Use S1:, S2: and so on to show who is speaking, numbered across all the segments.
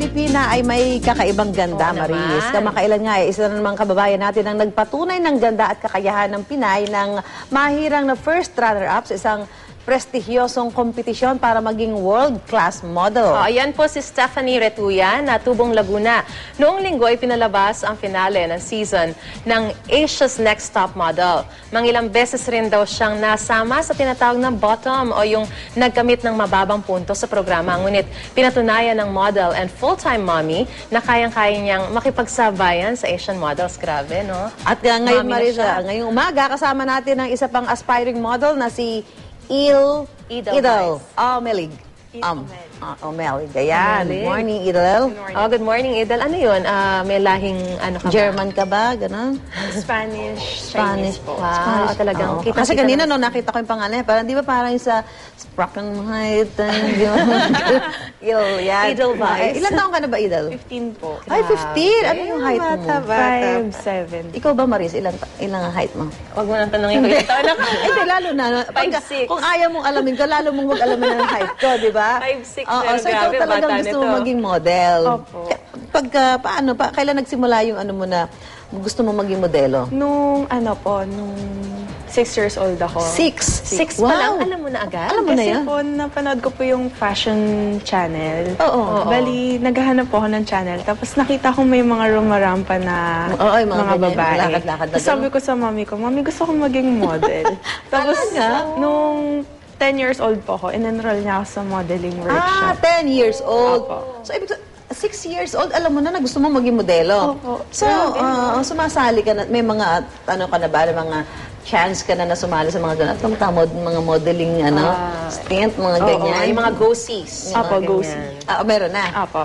S1: Pilipina ay may kakaibang ganda, Maris. Kamakailan nga isa na namang kababayan natin ang nagpatunay ng ganda at kakayahan ng Pinay ng mahirang na first runner-up sa isang prestigyosong kompetisyon para maging world-class model.
S2: Ayan po si Stephanie Retuya na Tubong Laguna. Noong linggo ay pinalabas ang finale ng season ng Asia's Next Top Model. Mangilang beses rin daw siyang nasama sa tinatawag na bottom o yung nagkamit ng mababang punto sa programa. Ngunit pinatunayan ng model and full-time mommy na kayang-kaya niyang makipagsabayan sa Asian models. Grabe, no?
S1: At ngayon, Marisa, ngayong umaga, kasama natin ang isa pang aspiring model na si Idel Omelig. Omelig. Ayan. Good morning, Idel.
S2: Good morning, Idel. Ano yun? May lahing ano ka ba?
S1: German ka ba? Ganon?
S3: Spanish,
S1: Spanish
S3: po.
S2: Wow, talagang kita.
S1: Kasi kanina, no, nakita ko yung pangalan. Parang, di ba parang yung sa Sprackenheit?
S2: Edelweiss.
S1: Ilan taong ka na ba, Idel?
S3: 15 po.
S1: Ay, 15? Ano yung height mo?
S3: 5'7".
S1: Ikaw ba, Maris? Ilang ang height mo?
S2: Huwag mo nang tanongin ko yung taon na.
S1: Hindi, lalo na.
S2: 5'6".
S1: Kung ayaw mong alamin ko, lalo mong mag-alamin ang height ko, di ba?
S2: 5'6",
S1: Oo,
S2: pero
S1: so ikaw
S2: grabe,
S1: talagang
S2: bata
S1: gusto
S2: nito.
S1: mo maging model.
S3: Opo.
S1: Kailan nagsimula yung ano mo na gusto mo maging modelo?
S3: Nung 6 years old ako.
S1: 6
S2: Pa lang, alam mo na agad?
S1: Alam mo na
S3: Kasi
S1: yan?
S3: po, napanood ko po yung fashion channel.
S1: Oo.
S3: Bali, naghahanap po ako ng channel. Tapos nakita ko may mga rumarampa na
S1: Oo, yung mga
S3: mga
S1: ganyan,
S3: babae.
S1: lakad-lakad na
S3: Tapos sabi ko sa mami ko, Mami, gusto kong maging model. Tapos, nung 10 years old po ako, in-enroll niya ako sa modeling workshop.
S1: 10 years old.
S3: Opo.
S1: So, 6 years old, alam mo na gusto mo maging modelo.
S3: Opo.
S1: So, sumasali ka na, may mga, ano ka na ba, mga chance ka na sumali sa mga ganun. Mga modeling, stint, mga ganyan.
S2: Yung mga go-sees.
S3: Apo, go-see.
S1: Meron na?
S3: Apo.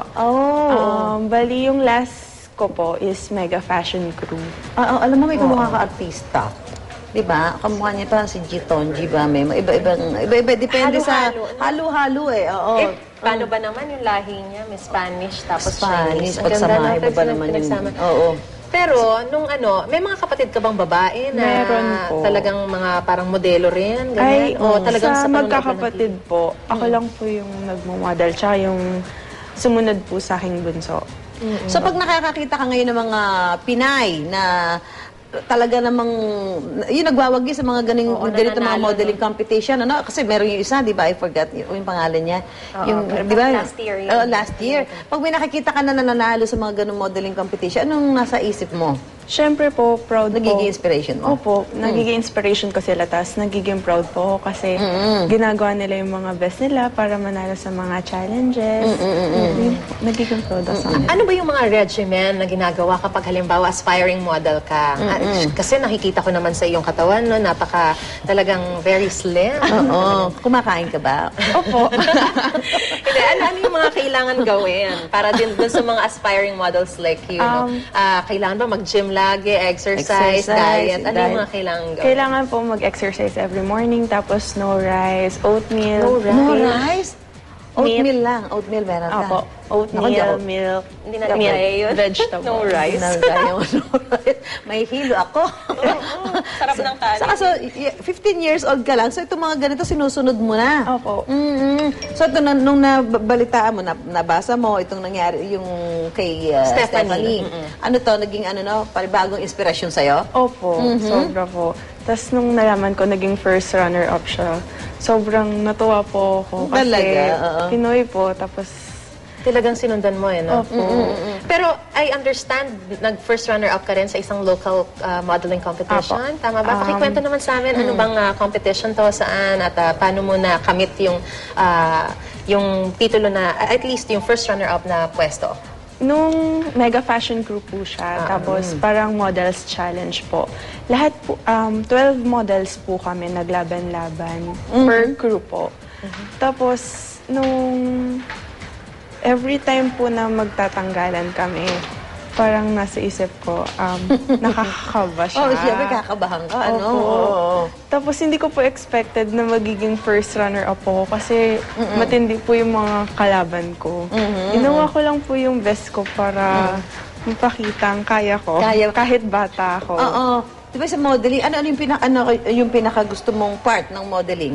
S1: Oh.
S3: Bali, yung last ko po is Mega Fashion Crew.
S1: Alam mo, may kamukha ka artista. Diba? Kamukha niya parang si G. Tonji ba? May iba-iba. Depende sa halo-halo eh. Oo.
S2: Paano ba naman yung lahi niya? May Spanish, tapos
S1: Spanish.
S2: Chinese. Ang ganda
S1: Pagsamahin mo
S2: natin
S1: ba naman yung...
S2: pinagsama.
S1: Oo.
S2: Pero, may mga kapatid ka bang babae na
S3: Meron po.
S2: talagang mga parang modelo rin? Ganyan? O talagang
S3: sa
S2: panonood
S3: magkakapatid
S2: lang
S3: po, ako lang po yung nagmo-model, tsaka yung sumunod po sa aking bunso.
S1: So pag nakakakita ka ngayon ng mga Pinay na talaga namang yung nagwawagi sa mga ganito mga modeling competition, ano? Kasi meron yung isa, di ba? I forgot yung pangalan niya. Di ba?
S2: last year yun.
S1: Last year. Pag may nakikita ka na nananalo sa mga ganung modeling competition, anong nasa isip mo?
S3: Siyempre po, proud
S1: Nagiging
S3: po.
S1: inspiration mo?
S3: Opo, nagiging inspiration ko sila, tapos nagiging proud po ako kasi ginagawa nila yung mga best nila para manalo sa mga challenges. Nagiging proud ako sa kanila.
S2: Ano ba yung mga regimen na ginagawa kapag halimbawa aspiring model ka? Kasi nakikita ko naman sa iyong katawan, no, napaka talagang very slim.
S1: Oo. Kumakain ka ba?
S3: Opo.
S2: Hindi, ano yung mga kailangan gawin para din dun sa mga aspiring models like you? No? Kailangan ba mag-gym lagi, exercise, diet? Ano yung mga kailangan gawin?
S3: Kailangan po mag-exercise every morning, tapos no rice, oatmeal.
S1: No rice? Oatmeal lang. Oatmeal meron ka.
S3: Opo. Oatmeal, milk,
S2: Hindi na kaya yun.
S3: vegetable.
S2: No rice.
S1: May hilo ako.
S2: Sarap ng kanin.
S1: So, 15 years old ka lang. So, itong mga ganito, sinusunod mo na.
S3: Opo.
S1: So, ito, nung nabalitaan mo, nabasa mo, itong nangyari, yung kay Stephanie. Ano to, naging paribagong inspirasyon sa'yo?
S3: Opo, sobra po. Tapos nung nalaman ko, naging first runner-up siya. Sobrang natuwa po ako. Kasi
S1: Talaga?
S3: Pinoy po, tapos
S2: Talagang sinundan mo no?
S3: Opo.
S2: Pero I understand, nag-first runner-up ka rin sa isang local modeling competition.
S3: Apo.
S2: Tama ba? Pakikwento naman sa amin, ano bang competition to, saan, at paano mo na-commit yung titulo na, at least yung first runner-up na pwesto?
S3: nung Mega Fashion Crew po siya, tapos parang models challenge po. Lahat po, 12 models po kami naglaban-laban per crew po. Tapos, nung every time po na magtatanggalan kami, parang nasa isip ko, nakakakaba siya.
S1: Oh, siyempre kakabahan ka, ano?
S3: Opo. Tapos hindi ko po expected na magiging first runner-up po kasi matindi po yung mga kalaban ko. Ginawa ko lang po yung best ko para mapakita ang kaya ko, kahit bata ako.
S1: Oo. Diba sa modeling, ano yung pinaka gusto mong part ng modeling?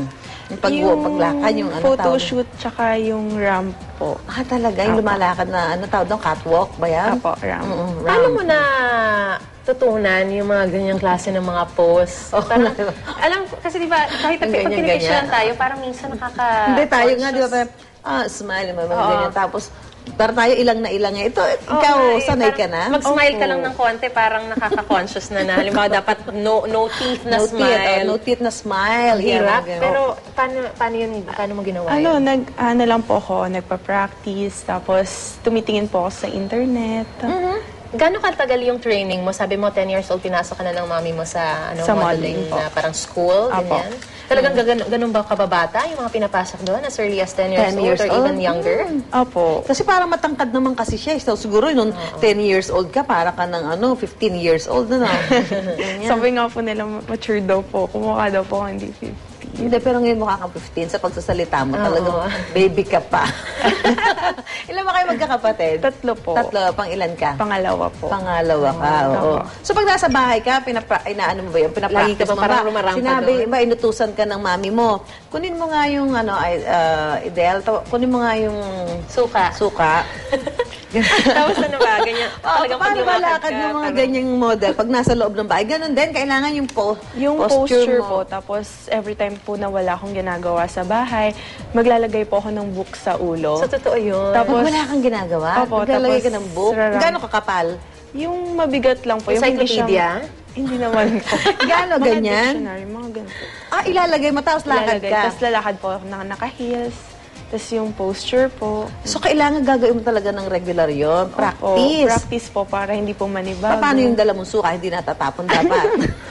S1: Yung paglakad, yung ano
S3: photo
S1: tawag?
S3: shoot, tsaka yung ramp po.
S1: Ah, talaga? Yung lumalakad na, ano tawag doon? Catwalk ba yan?
S3: Apo, ramp.
S2: Paano mo na tutunan yung mga ganyang klase ng mga pose? Parang, alam ko, kasi di ba, kahit pag
S1: Ganyan,
S2: pinipicturean
S1: ganyan.
S2: tayo, parang minsan
S1: Hindi, tayo nga, di ba? Smile, mga ganyan. Tapos, parang tayo ilang na ilang. Ito, ikaw, sanay ka na?
S2: Mag-smile ka lang ng konti, parang nakaka-conscious na na. Halimbawa, dapat no teeth na smile.
S1: No teeth na smile.
S2: Hirap.
S1: Yan,
S2: Pero, paano mo ginawa
S3: Ano,
S2: yun?
S3: ano lang po ako, nagpa-practice, tapos tumitingin po ako sa internet.
S2: Gano'ng katagal yung training mo? Sabi mo, 10 years old, pinasok ka na ng mami mo sa,
S3: Sa
S2: modeling
S3: modeling po.
S2: na parang school,
S3: Apo.
S2: ganyan? Talagang ganun ba kababata yung mga pinapasok doon as early as 10 years
S1: 10
S2: old
S1: years
S2: or even
S1: old?
S2: younger?
S3: Opo.
S1: Kasi parang matangkad naman kasi siya. So, siguro nung 10 years old ka, para ka ng 15 years old na.
S3: Sabi nga po nila, mature daw po. Kumukha daw po ako hindi 50.
S1: Hindi, pero ngayon mukha kang 15 sa pagsasalita mo. Talagang baby ka pa. Ilan ba kayo magkakapatid?
S3: 3 po.
S1: 3, pang ilan ka?
S3: Pangalawa po.
S1: Pangalawa ka, oo. So pag nasa bahay ka, inaano mo ba yun?
S2: Lagi ka
S1: Pinapractice
S2: ba
S1: mo
S2: parang
S1: ba?
S2: rumarampa
S1: Sinabi,
S2: doon?
S1: ba, inutusan ka ng mami mo. Kunin mo nga yung, Idel, kunin mo nga yung
S2: Suka.
S1: suka.
S2: Tapos ano ba? Ganyan. Talagang
S1: Paano
S2: paglumakad
S1: malakad
S2: ka,
S1: yung mga
S2: parang-
S1: ganyang model pag nasa loob ng bahay? Ganun din, kailangan yung
S3: Yung posture
S1: mo.
S3: po, tapos every time po na wala akong ginagawa sa bahay, maglalagay po ako ng book sa ulo.
S2: So, totoo yun.
S3: Tapos-
S1: Pag wala kang ginagawa,
S3: Opo,
S1: maglalagay ka
S3: tapos
S1: ng book.
S3: raram-
S1: Gano'ng kakapal?
S3: Yung mabigat lang po. Yung hindi
S2: Encyclopedia?
S3: Hindi naman po.
S1: Gaano
S3: Mga
S1: ganyan?
S3: dictionary, mga ganito.
S1: Ilalagay mo, tapos lakad
S3: Ilalagay.
S1: ka.
S3: Tapos lalakad po ako na naka-heels. Tapos yung posture po.
S1: So, kailangan gagawin mo talaga ng regular yon.
S3: Opo,
S1: Practice.
S3: practice po para hindi po manibago.
S1: Paano yung dala mong suka? Hindi natatapon dapat.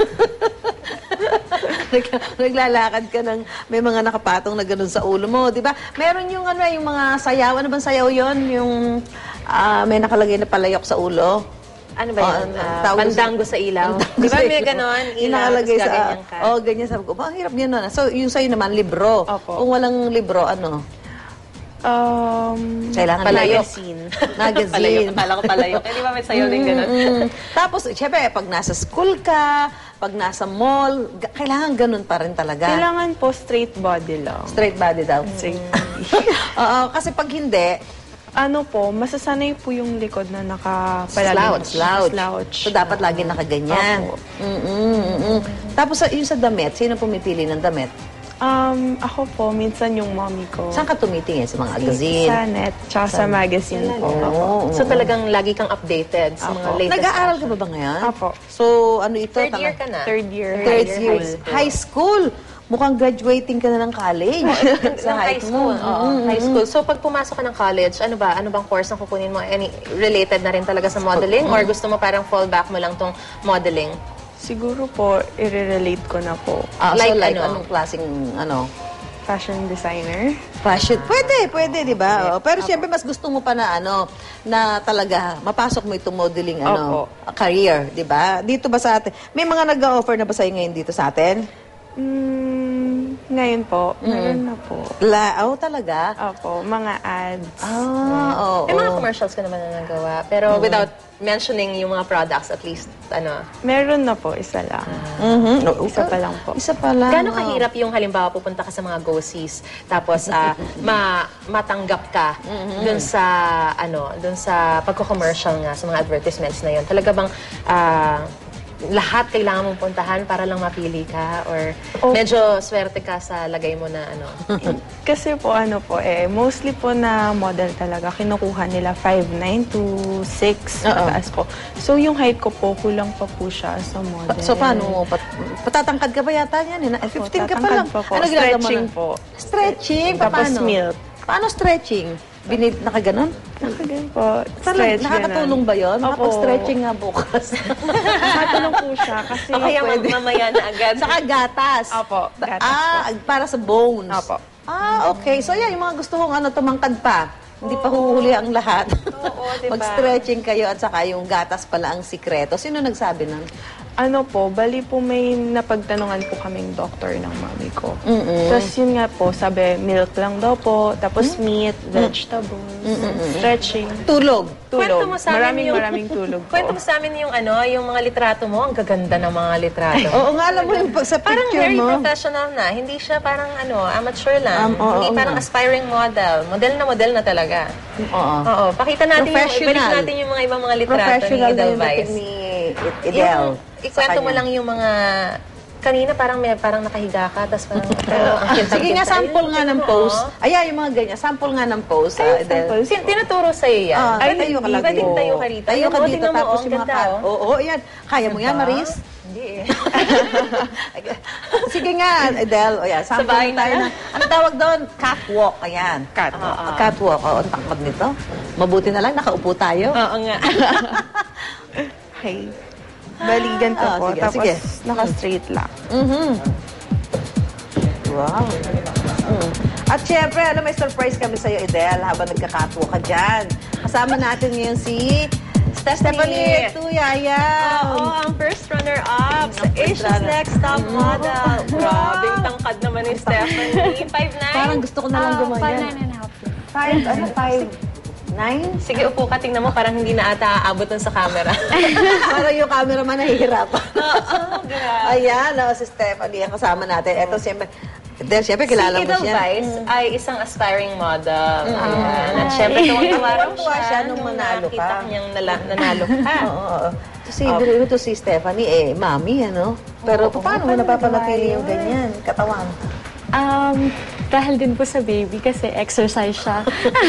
S1: Naglalakad ka ng may mga nakapatong na ganun sa ulo mo, di ba? Meron yung yung mga sayaw. Ano bang sayaw yon? Yung may nakalagay na palayok sa ulo.
S2: Ano ba yun?
S1: tawag
S2: Pandango sa ilaw. Di ba may ganon?
S1: Yung
S2: Ilaw,
S1: nakalagay
S2: tapos
S1: sa...
S2: gaganyan ka.
S1: ganyan. Sabi ko, ang hirap niya nun. So, yung sa'yo naman, libro.
S3: Opo.
S1: Kung walang libro, ano? Kailangan
S2: Palayok.
S3: Magazine.
S1: Magazine.
S2: Palayok. Akala ko palayok. Eh, di ba may sayaw din ganon?
S1: Tapos, syempre, pag nasa school ka, pag nasa mall, kailangan ganun pa rin talaga.
S3: Kailangan po straight body lang.
S1: Straight body daw.
S3: Straight
S1: Oo, kasi pag hindi,
S3: Ano po, masasanay po yung likod na nakapalaging
S1: slouch. So, dapat lagi nakaganyan.
S3: Opo.
S1: Tapos, yung sa damit, sino pumipili ng damit?
S3: Ako po, minsan yung mommy ko.
S1: Saan ka tumitingin? Sa mga magazine?
S3: Sa net, tsaka sa magazine po.
S1: Oo.
S2: So talagang lagi kang updated sa mga
S3: Apo.
S2: latest
S1: Nag-aaral ka
S2: fashion.
S1: ba ba ngayon?
S3: Apo.
S1: So, ano ito?
S2: Third year ka na?
S3: Third year.
S1: Third year. High school. Mukhang graduating ka na ng college.
S2: Sa high school. Oo, high school. So, pag pumasok ka ng college, ano ba? Ano bang course ang kukunin mo? Any related na rin talaga sa modeling? Or gusto mo parang fallback mo lang tong modeling?
S3: Siguro po, i-relate ko na po.
S2: Like
S1: like
S2: ano?
S1: anong klaseng,
S3: Fashion designer.
S1: fashion? Pwede, di ba? Oo. Pero siyempre, mas gusto mo pa na, na talaga, mapasok mo itong modeling,
S3: Opo.
S1: career, di ba? Dito ba sa atin? May mga nag-offer na ba sa'yo ngayon dito sa atin?
S3: Ngayon po, meron na po.
S1: Talaga?
S3: Opo, mga ads.
S1: Oo.
S2: May mga commercials ka naman na nagawa. Pero without mentioning yung mga products, at least,
S3: Meron na po, isa lang. Isa pa lang po.
S1: Isa pa lang.
S2: Gano'ng kahirap yung halimbawa pupunta ka sa mga go-sees, tapos matanggap ka dun sa pagko-commercial nga, sa mga advertisements na yun. Talaga bang lahat kailangan mong puntahan para lang mapili ka? Or medyo swerte ka sa lagay mo na
S3: Kasi po, mostly po na model talaga, kinukuha nila 5'9" to 6, mataas po. So, yung height ko po, kulang pa po siya sa model.
S1: So, paano mo? Patatangkad ka ba yata yan? 15 ka pa lang.
S3: tatangkad pa po.
S1: Ano ginagawa mo
S3: Stretching
S1: na?
S3: po.
S1: Stretching?
S3: Tapos
S1: Paano?
S3: milk.
S1: Paano stretching? Nakaganon?
S3: Nakagan po.
S1: Talagang nakakatulong ba yun?
S3: Opo.
S1: Makapag-stretching nga bukas.
S3: Nakatulong po siya kasi...
S2: o kaya mamaya na agad.
S1: Saka gatas.
S3: Opo, gatas
S1: para sa bones.
S3: Opo.
S1: Okay. So, yan, yung mga gusto kong tumangkad pa. Hindi pa huhuli ang lahat.
S2: Oo, diba?
S1: Mag-stretching kayo at saka yung gatas pala ang sikreto. Sino nagsabi nun?
S3: Ano po, bali po may napagtanungan po kaming doktor ng mami ko. Tapos yun nga po, sabi milk lang daw po, tapos meat, vegetables, stretching.
S1: Tulog.
S2: Kwento mo sa amin
S3: Maraming tulog po.
S2: Kwento mo sa amin yung yung mga litrato mo. Ang gaganda ng mga litrato.
S1: Oo nga, alam mo yung sa
S2: Parang
S1: picture
S2: very
S1: mo.
S2: professional na. Hindi siya parang amateur lang. Hindi
S1: oo
S2: parang
S1: nga.
S2: aspiring model. Model na talaga.
S1: Oo.
S2: Oo. Pakita natin
S1: Professional.
S2: ibalik natin yung mga ibang mga litrato ni
S1: Professional na yung dating
S2: Edelweiss.
S1: ni Idel.
S2: Ikwento mo lang yung mga... Kanina parang nakahiga ka, tapos parang... pero ang cute-cute
S1: Sige nga,
S2: sa'yo.
S1: sample nga ng
S2: Tingnan mo,
S1: pose. Ayan, yung mga ganyan. Sample nga ng pose, Idel.
S2: Tinuturo sa'yo yan.
S1: Ay, tayo ka lagi.
S2: Pwedeng tayo ka rito.
S1: Tayo ka
S2: Ayun,
S1: dito,
S2: tingnan mo,
S1: tapos
S2: ang
S1: yung mga
S2: ganda, oh.
S1: Oo, ayan. Kaya mo yan, Maris?
S2: Hindi eh.
S1: Sige nga, Idel. O yan, sample
S2: Sabay
S1: tayo
S2: na.
S1: ng... Ano tawag doon? Catwalk. Ayan.
S3: Catwalk.
S1: Catwalk. Oo, ang takot nito. Mabuti na lang, nakaupo tayo.
S2: Oo nga.
S3: Okay. Bali, ganito po.
S1: sige,
S3: Tapos,
S1: sige.
S3: naka-straight lang.
S1: Wow. At syempre, may surprise kami sa'yo, Idel, habang nagka-catwalk ka dyan. Kasama natin ngayon si Stephanie Tuyayaw.
S2: Oo, ang first runner-up sa
S1: Ang first
S2: Asia's
S1: runner.
S2: Next Top Model. Grabing tangkad naman ni Stephanie. 5'9"?
S1: Parang gusto ko na lang gumayan. 5'9"?
S2: Sige, upo ka. Tingnan mo, parang hindi na ata aabot nun sa camera.
S1: Parang yung cameraman nahihirapan.
S2: grabe.
S1: Ayan, si Stephanie ang kasama natin. Ito, siyempre, kilala
S2: Si
S1: mo siya.
S2: Edelweiss ay isang aspiring model. Ayan. At syempre, tuwang-tawa raw
S1: Tuwang-tuwa siya nung manalo ka.
S2: nakita niyang nanalo ka.
S1: Oo. Ito si Stephanie, mami, ano? Pero paano mo napapanatili yung ganyan, katawan?
S4: Dahil din po sa baby kasi exercise siya.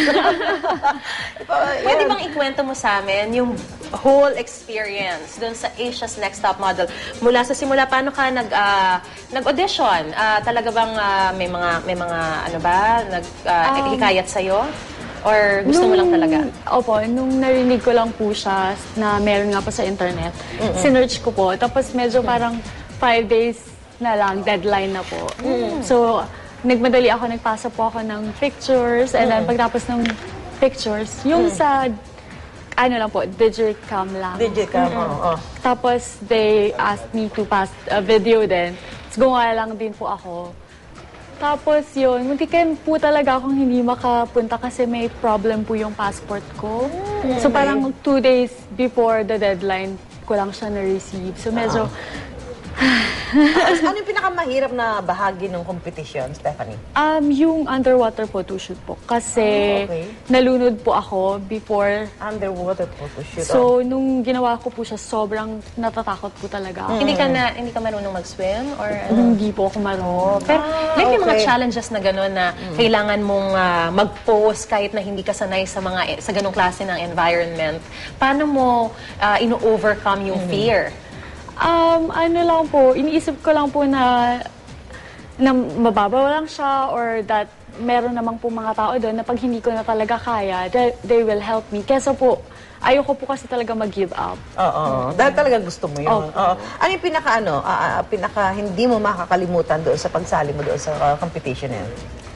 S2: Pwede bang ikwento mo sa amin yung whole experience doon sa Asia's Next Top Model? Mula sa simula, paano ka nag-audition? Talaga bang may mga ano ba, hikayat sa'yo? Or gusto mo lang talaga?
S4: Opo, nung narinig ko lang po siya na meron nga po sa internet, sinearch ko po. Tapos medyo parang 5 days na lang, deadline na po. So, nagmadali ako, nagpasa po ako ng pictures, and then pagtapos ng pictures, yung sa, ano lang po, Digicam lang.
S1: Digicam, oo.
S4: Tapos, they asked me to pass a video din. Tapos, gumawa lang din po ako. Tapos, yun, muntikan po talaga akong hindi makapunta kasi may problem po yung passport ko. So, parang 2 days before the deadline ko lang siya na-receive. So, medyo...
S1: Ano yung pinakamahirap na bahagi ng competition, Stephanie?
S4: Yung underwater photo shoot po. Kasi
S1: okay.
S4: nalunod po ako before.
S1: Underwater photo shoot.
S4: So, nung ginawa ko po siya, sobrang natatakot po talaga ako.
S2: Hindi ka marunong mag-swim? Or ano?
S4: Hindi po ako marunong.
S2: Pero may mga
S1: okay.
S2: challenges na gano'n na kailangan mong mag-pose kahit na hindi ka sanay sa ganong klase ng environment. Paano mo ino-overcome yung fear?
S4: Ano lang po, iniisip ko lang po na mababaw lang siya or that meron namang po mga tao doon na pag hindi ko na talaga kaya, they will help me. Kesa po, ayoko po kasi talaga mag-give up.
S1: Oo. Dahil talaga gusto mo yun. Oo. Ano yung pinaka hindi mo makakalimutan doon sa pagsali mo doon sa competition na yun?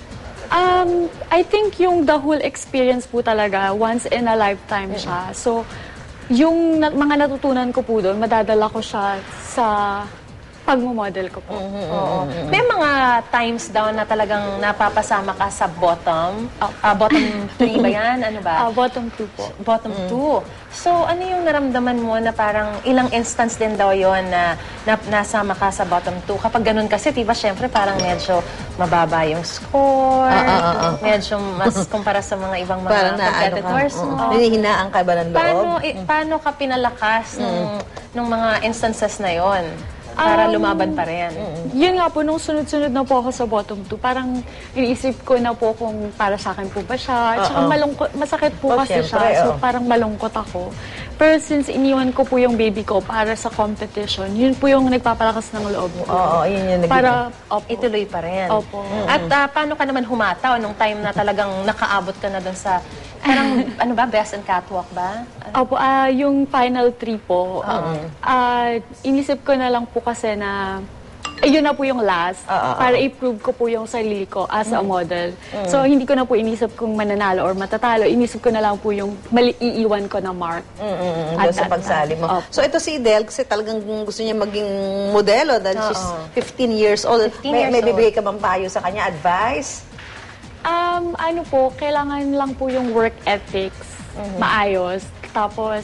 S4: I think yung the whole experience po talaga, once in a lifetime siya. So, yung mga natutunan ko po doon, madadala ko siya sa pagmamodel ko po.
S2: Oo. May mga times daw na talagang napapasama ka sa bottom. Bottom 3 ba yan? Ano ba?
S4: Bottom 2 po.
S2: Bottom 2. So, ano yung naramdaman mo na parang ilang instance din daw yon na nasama ka sa bottom 2? Kapag ganun kasi, diba, syempre parang medyo mababa yung score. Medyo mas kumpara sa mga ibang mga competitors.
S1: Hinihinaan ka ba ng loob?
S2: Paano ka pinalakas nung mga instances na yon? Para lumaban pa rin.
S4: Yun nga po, nung sunod-sunod na po ako sa bottom 2, parang iniisip ko na po kung para sa akin po ba siya. Tsaka masakit po kasi
S1: syempre,
S4: siya. So parang malungkot ako. Pero since iniwan ko po yung baby ko para sa competition, yun po yung nagpapalakas ng loob ko.
S1: Oo, yun yung naging...
S4: Para,
S2: ituloy pa rin.
S4: Opo.
S2: At paano ka naman humataw nung time na talagang nakaabot ka na doon sa... Parang, ano ba, best in catwalk ba?
S4: Opo, yung final 3 po, inisip ko na lang po kasi na ayun na po yung last. Para i-prove ko po yung sarili ko as a model. So, hindi ko na po inisip kung mananalo or matatalo. Inisip ko na lang po yung iiwan ko na mark.
S1: Doon sa pagsali mo. So, ito si Idel, kasi talagang gusto niya maging modelo dahil she's 15 years old.
S2: 15 years
S1: May
S2: old.
S1: bibigay ka bang payo sa kanya? Advice?
S4: Ano po, kailangan lang po yung work ethics. Maayos. Tapos,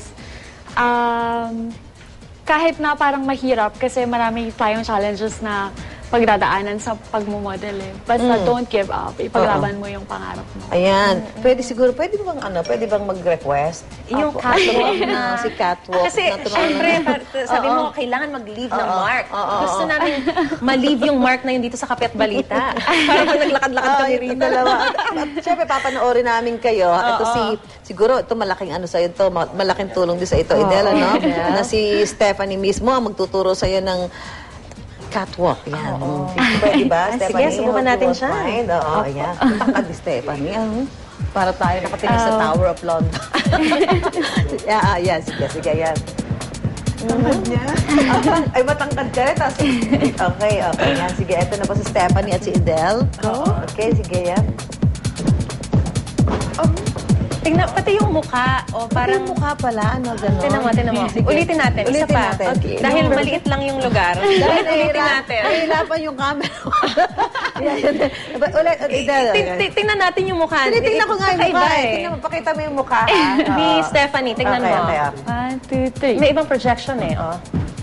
S4: kahit na parang mahirap kasi marami tayong challenges na pagdadaanan sa pagmumodel eh. Basta don't give up. Ipaglaban mo yung pangarap mo.
S1: Ayan. Pwede bang mag-request?
S2: Yung
S1: Ako,
S2: catwalk
S1: na si catwalk.
S2: Kasi,
S1: na tumawa
S2: syempre,
S1: na-
S2: sabi mo, kailangan mag-leave ng mark. Gusto namin ma-leave yung mark na yun dito sa Kape at Balita. Para pag naglakad-lakad kami
S1: yung
S2: rito.
S1: dalawa. At syempre, papanoorin namin kayo. Ito siguro, ito malaking ano sa'yo ito, malaking tulong din sa ito, Idel, ano? Na si Stephanie mismo ang magtuturo sa'yo ng catwalk. Yan. Pwede ba,
S2: Sige,
S1: Stephanie?
S2: subukan
S1: How to
S2: natin siya.
S1: find? Oo, ayan. Tangkad ni Stephanie. Para tayo nakatingin sa Tower of London. Yan, sige, yan. Ay, matangkad ka rin. Okay, yan. Sige, ito na po si Stephanie at si Idel. Okay, sige, yan.
S2: Tingnan, pati yung mukha. O parang...
S1: Yung mukha pala, ano, gano'n.
S2: Tinan mo.
S1: Sige.
S2: Ulitin natin. Isa
S1: Ulitin
S2: pa.
S1: natin.
S2: Okay. Dahil maliit lang yung lugar. Ulitin natin.
S1: Nahihirapan yung camera. Ulit, Idel.
S2: Tingnan natin yung mukha.
S1: Tinitingnan ko nga yung
S2: Kakaiba
S1: mukha. Tingnan mo, pakita mo yung mukha.
S2: Ni Stephanie, tingnan mo.
S1: Okay.
S4: 1, 2, 3.
S2: May ibang projection eh, oh.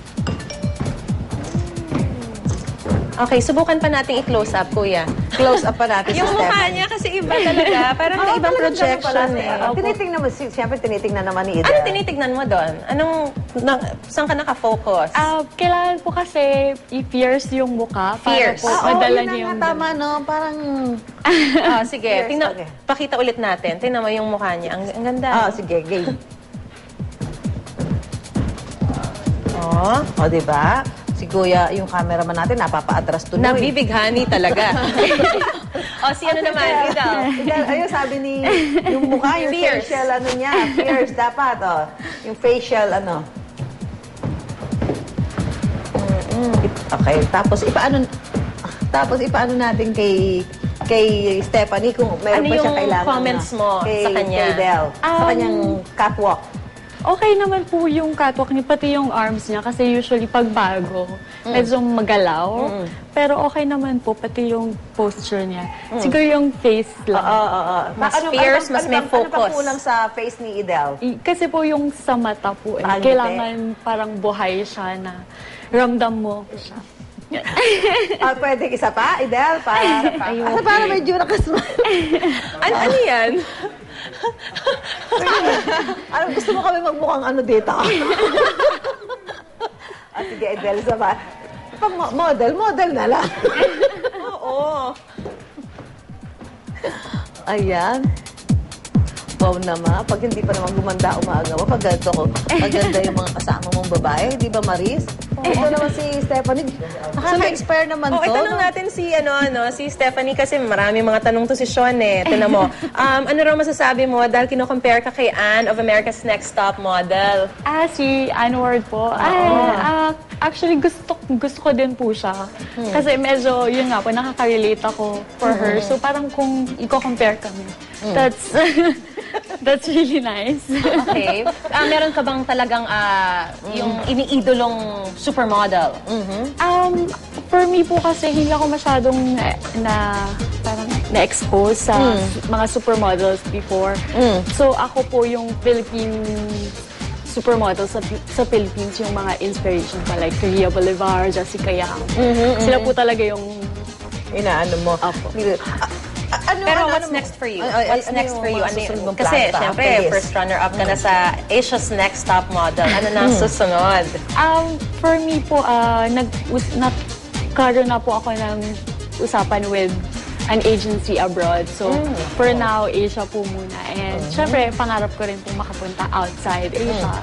S2: Okay, subukan pa natin i-close up, kuya.
S1: Close up pa natin si
S2: Yung mukha
S1: Stephanie.
S2: niya kasi iba talaga. Parang may ibang projection eh.
S1: Tinitingnan mo, siyempre tinitingnan naman ni Idel.
S2: Ano tinitignan mo doon? Saan ka nakafocus?
S4: Kailangan po kasi i-pierce yung mukha
S2: Fierce.
S4: para po madala
S1: yun
S4: niyo
S1: na
S4: yung...
S1: nga, tama, no? Parang...
S2: Sige,
S1: Yes,
S2: tingnan,
S1: okay.
S2: pakita ulit natin. Tingnan mo yung mukha niya. Ang ganda.
S1: Sige, game.
S2: Oh.
S1: Diba? Si Kuya, yung cameraman natin, napapa-atras tuloy.
S2: Nabibighani talaga. Si ano naman, Idel.
S1: Idel, ayun, sabi ni, yung mukha, yung
S2: Fierce.
S1: facial, ano niya, fierce dapat, Yung facial, ano. Okay, tapos ipaano natin kay Stephanie kung meron
S2: Ano
S1: pa siyang
S2: yung
S1: kailangan.
S2: comments mo sa kanya?
S1: Kay Del, sa kanyang catwalk.
S4: Okay naman po yung catwalk niya, pati yung arms niya. Kasi usually pag bago, medyo magalaw. Pero okay naman po, pati yung posture niya. Siguro yung face lang.
S2: Mas fierce, mas may
S1: Ano
S2: focus.
S1: pa kulang sa face ni Idel?
S4: Kasi po yung sa mata po,
S1: Pangiti.
S4: kailangan parang buhay siya na ramdam mo siya.
S1: Pwede isa pa, Idel? Para medyo nakasmile.
S2: Ano yan?
S1: Gusto mo kami magmukhang ano dito? Sige, Idel, isa pa. Pag model na lang.
S2: Oo.
S1: Ayan. Wow naman. Pag hindi pa naman gumanda umaga mo, pag ganito ko, maganda yung mga kasama mong babae, di ba, Maris? Ito naman si Stephanie. Nakaka-inspire naman to.
S2: Itanong natin si Stephanie kasi marami mga tanong to si Sean eh. Tinan mo. Ano raw masasabi mo dahil kino-compare ka kay Anne of America's Next Top Model?
S4: Si Anne Ward po. Actually, gusto ko din po siya. Kasi medyo, yun nga po, nakaka-relate ako for her. So parang kung i-compare kami, that's really nice.
S2: Okay. Meron ka bang talagang yung iniidolong supermodel?
S4: For me po kasi hindi ako masyadong parang na-expose sa mga supermodels before. So ako po yung Philippine supermodels sa Philippines, yung mga inspiration pa like Rhea Bolivar, Jessica Yang. Sila po talaga yung
S1: Inaano mo.
S4: Apo.
S2: Pero what's next for you? What's next for you? Kasi, syempre, first runner-up ka na sa Asia's Next Top Model. Ano na ang susunod?
S4: For me po, nagkaroon na po ako ng usapan with an agency abroad. So, for now, Asia po muna. And, syempre, pangarap ko rin po makapunta outside Asia.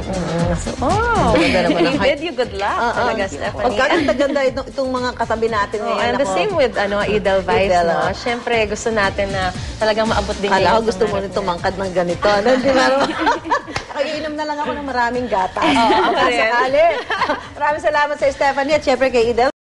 S1: Ganda naman
S2: You
S1: ang
S2: did you good luck talaga, Stephanie.
S1: Pagkakaganda itong mga katabi natin ngayon.
S2: And the
S1: ako.
S2: same with Idel Vibes,
S1: Idel,
S2: no? Siyempre, gusto natin na talagang maabot din
S1: Kala ko
S2: yung
S1: gusto mo
S2: pangarap
S1: nito
S2: niya.
S1: mangkad ng ganito. Ano, di ba? Iinom na lang ako ng maraming gatas.
S2: ako rin.
S1: Sakali. Maraming salamat sa Stephanie at syempre kay Idel.